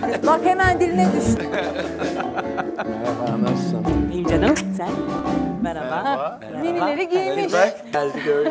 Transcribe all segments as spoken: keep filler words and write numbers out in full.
Bak hemen diline düştü. Merhaba, nasılsın? İyiyim canım. Sen? Merhaba. Ha, Merhaba. minileri giymiş. Bak geldi gördüm.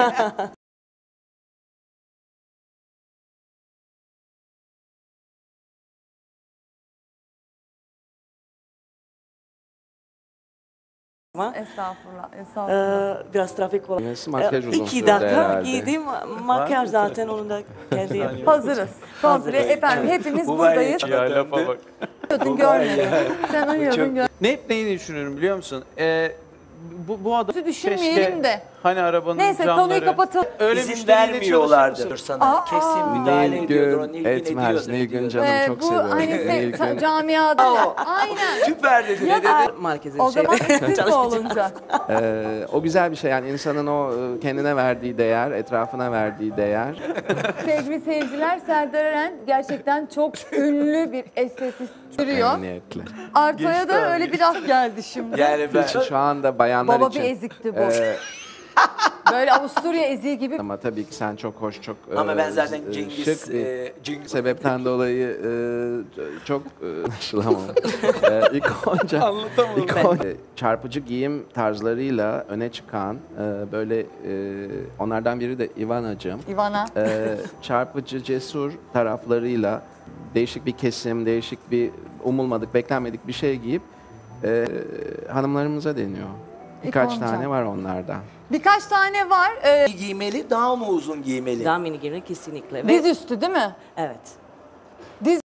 Estağfurullah, estağfurullah. Ee, biraz trafik var. Nesi, makyaj Ee, uzun İki sürdü dakika herhalde. giydim. Makyaj zaten onun da kendi yapıyor. Hazırız. Kontrol efendim hepimiz buradayız. Ya lafa bak. Uyuyordun görmedin. Sen uyuyordun görmedin. Ne hep neyi düşünüyorum biliyor musun? Ee, bu, bu adam Düşünmeyelim keşke de. hani arabanın Neyse camları... konuyu kapatalım. Öyle İzin müşteriyle vermiyorlardır çalışır sana. Aa, Kesin aa. müdahale ediyordur. O Nilgün Nilgün etmez. ediyordur. Nilgün ediyordur. canım Ee, çok bu seviyorum. hani se- Nilgün. camiada. Aynen. Süper dedi. Ya Ne da- dedi? Merkezin O zaman şeyde siz mi çalışacağım. olunca? Ee, o güzel bir şey yani insanın o e, kendine verdiği değer, etrafına verdiği değer. Sevgili seyirciler, Serdar Eren gerçekten çok ünlü bir estetik sürüyor. Emniyetli. Arto'ya da öyle bir laf geldi şimdi. Yani ben Şu anda bayanlar Baba için. bir ezikti bu. e, Böyle Avusturya eziği gibi. ama tabii ki sen çok hoş, çok e, ama ben zaten e, Cengiz şık bir e, Cengiz sebepten dolayı e, çok e, anlaşılamam. e, ilk önce, ilk önce çarpıcı giyim tarzlarıyla öne çıkan e, böyle e, onlardan biri de Ivanacığım. Ivana. e, çarpıcı, cesur taraflarıyla değişik bir kesim, değişik bir umulmadık, beklenmedik bir şey giyip e, hanımlarımıza deniyor. Birkaç İkonca. tane var onlardan. Birkaç tane var. Ee, giymeli daha mı uzun giymeli? Daha mini giyilir kesinlikle. Ve, diz üstü değil mi? evet.